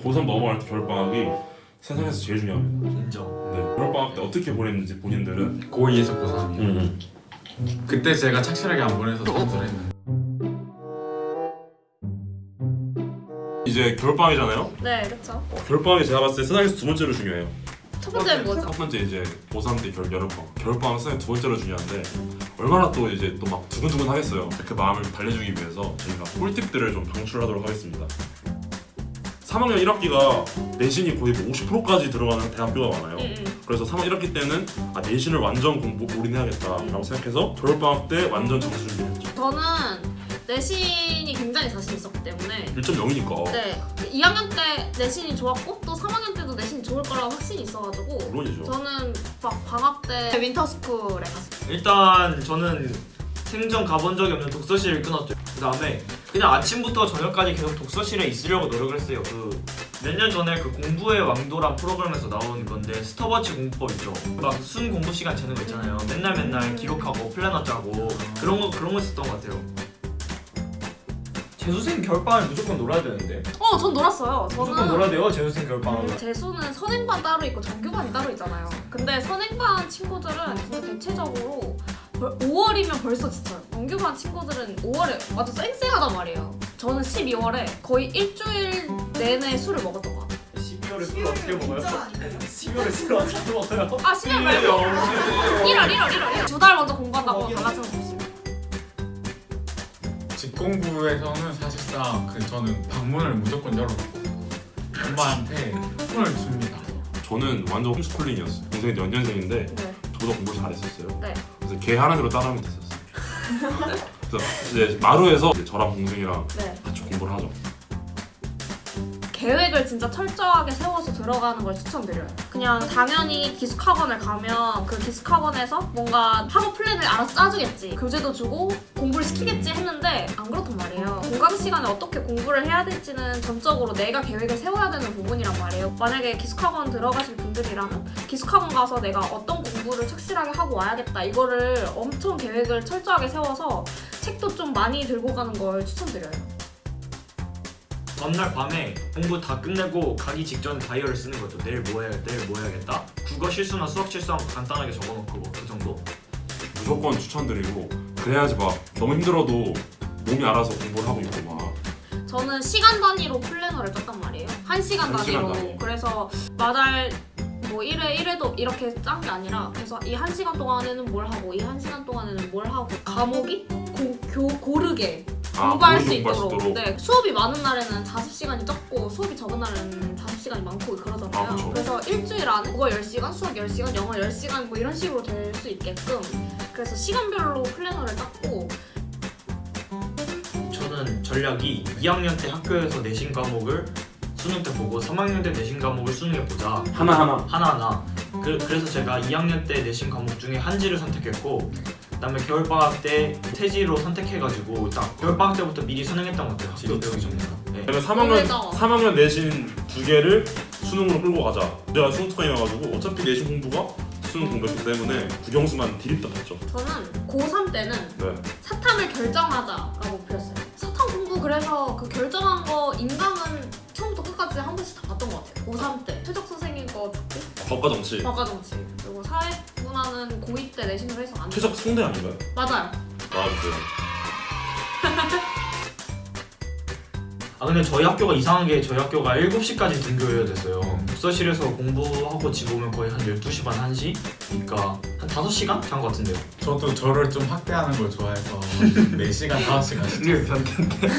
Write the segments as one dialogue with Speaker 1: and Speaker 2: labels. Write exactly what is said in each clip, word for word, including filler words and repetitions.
Speaker 1: 고삼 넘어갈 때 겨울방학이 세상에서 제일 중요합니다.
Speaker 2: 인정.
Speaker 1: 네, 겨울방학 때 어떻게 보냈는지 본인들은
Speaker 3: 고이에서 고삼이요.
Speaker 1: 음.
Speaker 3: 그때 제가 착실하게 안 보내서 전수를 했는데
Speaker 1: 이제 겨울방학이잖아요.
Speaker 4: 네, 그렇죠.
Speaker 1: 어, 겨울방학이 제가 봤을 때 세상에서 두 번째로 중요해요.
Speaker 4: 첫 번째는 뭐죠?
Speaker 1: 첫 번째 이제 고삼 때 겨울 여름방학. 겨울방학 세상에 두 번째로 중요한데 얼마나 또 이제 또 막 두근두근 하겠어요. 그 마음을 달래주기 위해서 저희가 꿀팁들을 좀 방출하도록 하겠습니다. 삼 학년 일 학기가 내신이 거의 뭐 오십 퍼센트까지 들어가는 대학교가 많아요.
Speaker 4: 응, 응.
Speaker 1: 그래서 삼 학년 일 학기 때는 아, 내신을 완전 공부 올인해야겠다라고 생각해서 겨울방학 때 완전 점수 준비했죠.
Speaker 4: 저는 내신이 굉장히 자신 있었기 때문에
Speaker 1: 일 점 영이니까
Speaker 4: 네, 이 학년 때 내신이 좋았고 또 삼 학년 때도 내신이 좋을 거라고 확신이 있어가지고
Speaker 1: 물론이죠.
Speaker 4: 저는 막 방학 때 윈터스쿨에 갔어요.
Speaker 2: 일단 저는 생전 가본 적이 없는 독서실을 끊었죠. 그 다음에 그냥 아침부터 저녁까지 계속 독서실에 있으려고 노력을 했어요. 그 몇 년 전에 그 공부의 왕도란 프로그램에서 나온 건데 스톱워치 공부법 있죠. 막 순 공부 시간 재는 거 있잖아요. 맨날 맨날 기록하고 플래너 짜고 그런 거 그런 거 있었던 것 같아요. 재수생 겨울방학을 무조건 놀아야 되는데.
Speaker 4: 어, 전 놀았어요.
Speaker 2: 무조건
Speaker 4: 저는
Speaker 2: 놀아야 돼요. 재수생 겨울방학을.
Speaker 4: 재수는 선행반 따로 있고 정규반이 따로 있잖아요. 근데 선행반 친구들은 진짜 대체적으로 오월이면 벌써 지쳐요. 정규반 친구들은 오월에 완전 쌩쌩하단 말이에요. 저는 십이월에 거의 일주일 내내 술을 먹었던 것 같아요.
Speaker 2: 십이월에 술 어떻게 먹어요? 십이월에 술 어떻게 먹어요?
Speaker 4: 아, 십이월 말고 일월, 일월, 일월, 일월. 두 달 먼저 공부한다고 다 같이 먹었어요.
Speaker 3: 직공부에서는 사실상 그 저는 방문을 무조건 열어놓고 엄마한테 손을 줍니다.
Speaker 1: 저는 완전 홈스쿨링이었어요. 동생이 연년생인데
Speaker 4: 네.
Speaker 1: 저보다 공부를 잘했었어요.
Speaker 4: 네.
Speaker 1: 그래서 걔 하나대로 따라하면 됐었어요. 그래서 이제 마루에서 이제 저랑 동생이랑
Speaker 4: 네.
Speaker 1: 같이 공부를 하죠.
Speaker 4: 계획을 진짜 철저하게 세워서 들어가는 걸 추천드려요. 그냥 당연히 기숙학원을 가면 그 기숙학원에서 뭔가 학업 플랜을 알아서 짜주겠지. 교재도 주고 공부를 시키겠지 했는데 안 그렇단 말이에요. 공강 시간에 어떻게 공부를 해야 될지는 전적으로 내가 계획을 세워야 되는 부분이란 말이에요. 만약에 기숙학원 들어가실 분들이라면 기숙학원 가서 내가 어떤 공부를 착실하게 하고 와야겠다. 이거를 엄청 계획을 철저하게 세워서 책도 좀 많이 들고 가는 걸 추천드려요.
Speaker 2: 전날 밤에 공부 다 끝내고 가기 직전 다이어를 쓰는 거죠. 내일 뭐 해야 내일 뭐 해야겠다. 국어 실수나 수학 실수한 거 간단하게 적어놓고 뭐 그 정도.
Speaker 1: 무조건 추천드리고 그래야지 막 너무 힘들어도 몸이 알아서 공부를 하고 있고 막
Speaker 4: 저는 시간 단위로 플래너를 짰단 말이에요. 한 시간
Speaker 1: 한 시간
Speaker 4: 단위로.
Speaker 1: 단위.
Speaker 4: 그래서 마달 뭐 일 회 일 회도 이렇게 짠 게 아니라 그래서 이 한 시간 동안에는 뭘 하고 이 한 시간 동안에는 뭘 하고 과목이 고, 교, 고르게
Speaker 1: 아,
Speaker 4: 공부할
Speaker 1: 고르게
Speaker 4: 수
Speaker 1: 공부할 수
Speaker 4: 있도록.
Speaker 1: 있도록.
Speaker 4: 네, 수업이 많은 날에는 자습 시간이 적고 수업이 적은 날에는 자습 시간이 많고 그러잖아요.
Speaker 1: 아, 그쵸.
Speaker 4: 그래서 일주일 안에 국어 열 시간, 수학 열 시간, 영어 열 시간 뭐 이런 식으로 될 수 있게끔 그래서 시간별로 플래너를 짰고.
Speaker 2: 저는 전략이 이 학년 때 학교에서 내신 과목을 수능 때 보고 삼 학년 때 내신 과목을 수능에 보자.
Speaker 1: 하나하나
Speaker 2: 하나하나. 그, 그래서 제가 이 학년 때 내신 과목 중에 한지를 선택했고 그다음에 겨울방학 때 태지로 선택해가지고 딱 겨울방학 때부터 미리 수능했던 것 같아요. 학교 배우기 전에. 네.
Speaker 1: 그러면 삼 학년
Speaker 4: 오늘도.
Speaker 1: 삼 학년 내신 두 개를 수능으로 끌고 가자. 제가 수능 특강이어가지고 어차피 내신 공부가 수능 공부였기 때문에 국영수만 디립다 봤죠.
Speaker 4: 저는 고삼 때는
Speaker 1: 네.
Speaker 4: 사탐을 결정하자라고 목표였어요. 사탐 공부 그래서 그 결정한 거 인강은 처음부터 끝까지 한 번씩 다 봤던 것 같아요. 고삼 때 최적 선생님 거 듣고
Speaker 1: 법과 정치.
Speaker 4: 과과 정치 그리고 사회문화는 고이 때 내신으로 해서 안 돼.
Speaker 1: 최적 상대 아닌가요?
Speaker 4: 맞아요.
Speaker 1: 나와주세요.
Speaker 2: 아 근데 저희 학교가 이상한 게 저희 학교가 일곱 시까지 등교해야 됐어요. 독서실에서 공부하고 집 오면 거의 한 열두 시 반, 한 시? 그러니까 한 다섯 시간? 잔 것 같은데요.
Speaker 3: 저도 저를 좀 학대하는 걸 좋아해서 네 시간, 다섯 시간씩.
Speaker 2: 이게 변태인데.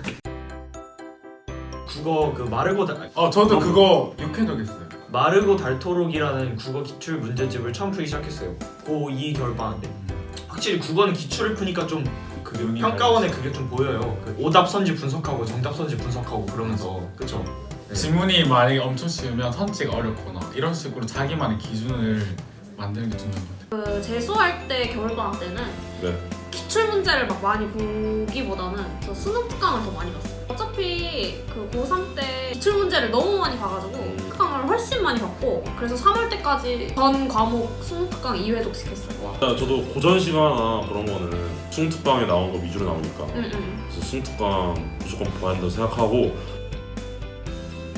Speaker 2: 국어 그 마르고 달
Speaker 3: 어 저도 그거 육회독했어요.
Speaker 2: 마르고 닳도록이라는 국어 기출 문제집을 처음 풀기 시작했어요. 고이 겨울방학 때. 확실히 국어는 기출을 푸니까 좀
Speaker 3: 그 의미가
Speaker 2: 평가원에 그게 좀 보여요. 그 오답 선지 분석하고 정답 선지 분석하고 그러면서 그쵸? 네.
Speaker 3: 지문이 만약에 엄청 쉬우면 선지가 어렵거나 이런 식으로 자기만의 기준을 만드는 게 중요한 것 같아요.
Speaker 4: 그 재수할 때 겨울방학 때는
Speaker 1: 네.
Speaker 4: 기출 문제를 막 많이 보기보다는 저 수능 특강을 더 많이 봤어요. 어차피 그 고삼 때 기출 문제를 너무 많이 봐가지고 특강을 훨씬 많이 봤고 그래서 삼월 때까지 전 과목 수능 특강 이 회독씩 했어요.
Speaker 1: 자, 저도 고전 시간이나 그런 거는 수능 특강에 나온 거 위주로 나오니까
Speaker 4: 응, 응.
Speaker 1: 그래서 수능 특강 무조건 봐야 한다고 생각하고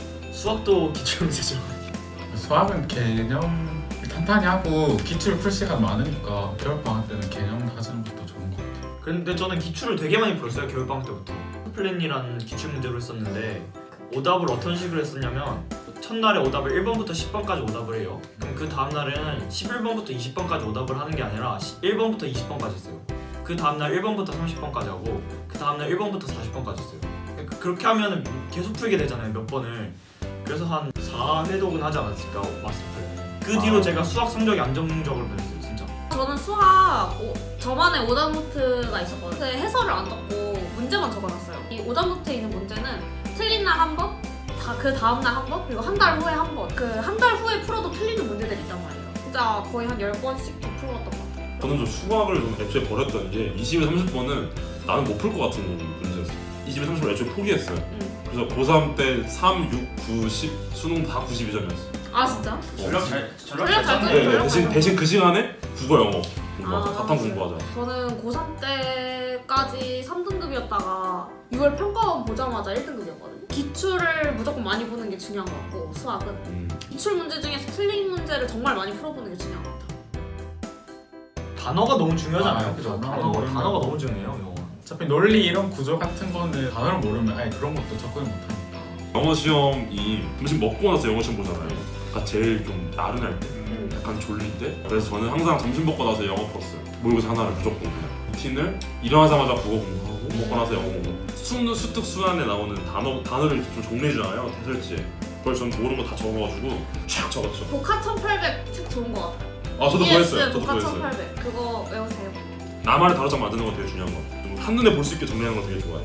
Speaker 2: 수학도 기출 문제죠.
Speaker 3: 수학은 개념 탄탄히 하고 기출 풀 시간 많으니까 겨울방학 때는 개념 하시는 것도 좋은 것 같아요.
Speaker 2: 근데 저는 기출을 되게 많이 풀었어요. 겨울방학 때부터. 플랜이라는 기출 문제로 했었는데 오답을 어떤 식으로 했었냐면 첫날에 오답을 일 번부터 십 번까지 오답을 해요. 그럼 그 다음날에는 십일 번부터 이십 번까지 오답을 하는 게 아니라 일 번부터 이십 번까지 했어요. 그 다음날 일 번부터 삼십 번까지 하고 그 다음날 일 번부터 사십 번까지 했어요. 그러니까 그렇게 하면 계속 풀게 되잖아요. 몇 번을. 그래서 한 사 회독은 하지 않았을까 마스터를. 그 뒤로
Speaker 3: 아.
Speaker 2: 제가 수학 성적이 안정적으로 변했어요. 진짜.
Speaker 4: 저는 수학 오, 저만의 오답노트가 있었거든요. 근데 해설을 안 적고 문제만 적어놨어요. 이 오답노트에 있는 문제는 틀린 날 한 번, 다 그 다음 날 한 번, 그리고 한 달 후에 한 번. 그 한 달 후에 풀어도 틀리는 문제들이 있단 말이에요. 진짜 거의 한 열 번씩 풀어왔던 것 같아요.
Speaker 1: 저는 좀 수학을 좀 애초에 버렸던 게 이십에 삼십 번은 나는 못 풀 것 같은 문제였어요. 이십에 삼십 번 애초에 포기했어요.
Speaker 4: 응.
Speaker 1: 그래서 고삼 때 삼, 육, 구, 십 수능 다 구십이 점이었어요.
Speaker 4: 아 진짜?
Speaker 2: 전략 잘 전략
Speaker 4: 전략 잘
Speaker 2: 짰네.
Speaker 1: 네, 네,
Speaker 4: 전략
Speaker 1: 대신
Speaker 4: 잘
Speaker 1: 대신 그 시간에 국어, 영어 공부하자.
Speaker 4: 아,
Speaker 1: 사탐
Speaker 4: 맞아요.
Speaker 1: 공부하자.
Speaker 4: 저는 고삼 때까지 삼 등급이었다가 유월 평가원 보자마자 일 등급이었거든요. 기출을 무조건 많이 보는 게 중요한 것 같고 수학은
Speaker 1: 음.
Speaker 4: 기출 문제 중에서 틀린 문제를 정말 많이 풀어보는 게 중요한 것 같아요.
Speaker 2: 단어가 너무 중요하잖아요.
Speaker 3: 아,
Speaker 2: 그죠?
Speaker 3: 단어가
Speaker 2: 단어가,
Speaker 3: 모르면-
Speaker 2: 단어가 너무 중요해요. 영어.
Speaker 3: 어차피 논리 이런 구조 같은 거는 단어를 모르면 아예 그런 것도 접근을 못하니까.
Speaker 1: 영어 시험이 점심 먹고 나서 영어 시험 보잖아요. 그러니까 제일 좀 나른할 때,
Speaker 4: 음.
Speaker 1: 약간 졸릴 때. 그래서 저는 항상 점심 먹고 나서 영어 풀었어요. 모의고사 하나를 무조건 그냥. 루틴을 일어나자마자 국어 공부하고 먹고 나서 영어 공부. 수능 수특 수안에 나오는 단어 단어를 좀 정리해주잖아요. 해설지에. 그걸 전 모르는 거 다 적어가지고 촥 적었죠.
Speaker 4: 복화 천팔백 책 좋은 것 같아요.
Speaker 1: 아 저도 그거 했어요. 저도
Speaker 4: 복화
Speaker 1: 그거 했어요.
Speaker 4: 천팔백 그거 외우세요.
Speaker 1: 나만의 단어장 만드는 거 되게 중요한 거 같아요. 좀 한눈에 볼 수 있게 정리하는 거 되게 좋아해요.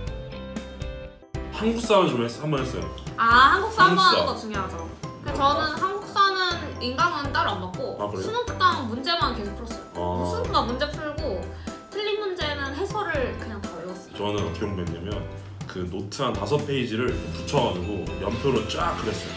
Speaker 1: 한국사를 좀 했, 한번 했어요.
Speaker 4: 아 한국사 한 번
Speaker 1: 한국사.
Speaker 4: 하는 거 중요하죠. 그래서 저는 한국사는 인강은 따로 안 받고
Speaker 1: 아, 그래요?
Speaker 4: 수능 특강 문제만 계속 풀었어요.
Speaker 1: 아.
Speaker 4: 수능 특강 문제 풀고 틀린 문제는 해설을 그냥 다 외웠어요.
Speaker 1: 저는 어떻게 공부했냐면 그 노트 한 다섯 페이지를 붙여가지고 연표로 쫙 그렸어요.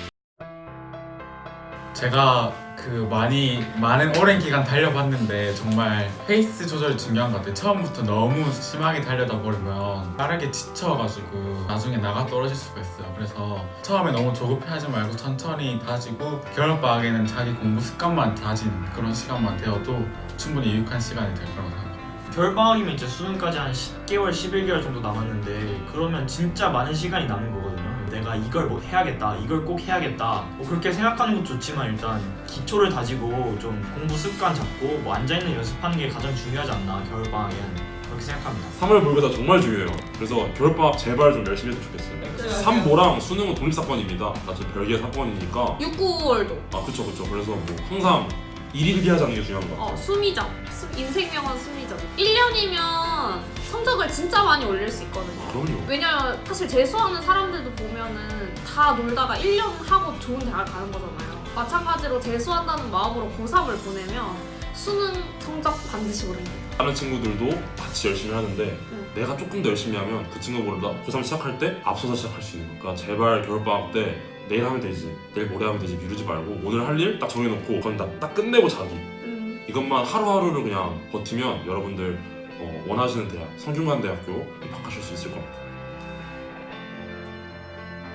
Speaker 3: 제가 그 많이 많은 오랜 기간 달려봤는데 정말 페이스 조절이 중요한 것 같아요. 처음부터 너무 심하게 달려다 버리면 빠르게 지쳐가지고 나중에 나가 떨어질 수가 있어요. 그래서 처음에 너무 조급해하지 말고 천천히 다지고 겨울방학에는 자기 공부 습관만 다지는 그런 시간만 되어도 충분히 유익한 시간이 될 거라고 생각합니다.
Speaker 2: 겨울방학이면 이제 수능까지 한 십 개월, 십일 개월 정도 남았는데 그러면 진짜 많은 시간이 남은 거거든요. 내가 이걸 뭐 해야겠다, 이걸 꼭 해야겠다 뭐 그렇게 생각하는 것도 좋지만 일단 기초를 다지고 좀 공부 습관 잡고 뭐 앉아있는 연습하는 게 가장 중요하지 않나 겨울방학엔 그렇게 생각합니다.
Speaker 1: 삼월 모의고사 정말 중요해요. 그래서 겨울방학 제발 좀 열심히 했으면 좋겠어요. 삼보랑 수능은 독립사건입니다. 같이 별개의 사건이니까.
Speaker 4: 육구월도
Speaker 1: 아 그쵸 그쵸. 그래서 뭐 항상 일일비 하자는 게 중요한 것 같아요.
Speaker 4: 어, 수미적. 수- 인생명언 수미적. 일 년이면 성적을 진짜 많이 올릴 수 있거든요.
Speaker 1: 그럼요.
Speaker 4: 왜냐면 사실 재수하는 사람들도 보면은 다 놀다가 일 년 하고 좋은 대학을 가는 거잖아요. 마찬가지로 재수한다는 마음으로 고삼을 보내면 수능 성적 반드시 오릅니다.
Speaker 1: 다른 친구들도 같이 열심히 하는데
Speaker 4: 응.
Speaker 1: 내가 조금 더 열심히 하면 그 친구보다 고삼 시작할 때 앞서서 시작할 수 있는 거니까 제발 겨울방학 때 내일 하면 되지, 내일 모레 하면 되지 미루지 말고 오늘 할 일 딱 정해놓고 그건 딱, 딱 끝내고 자기.
Speaker 4: 음,
Speaker 1: 이것만 하루하루를 그냥 버티면 여러분들 어, 원하시는 대학, 성균관대학교 입학하실 수 있을 겁니다.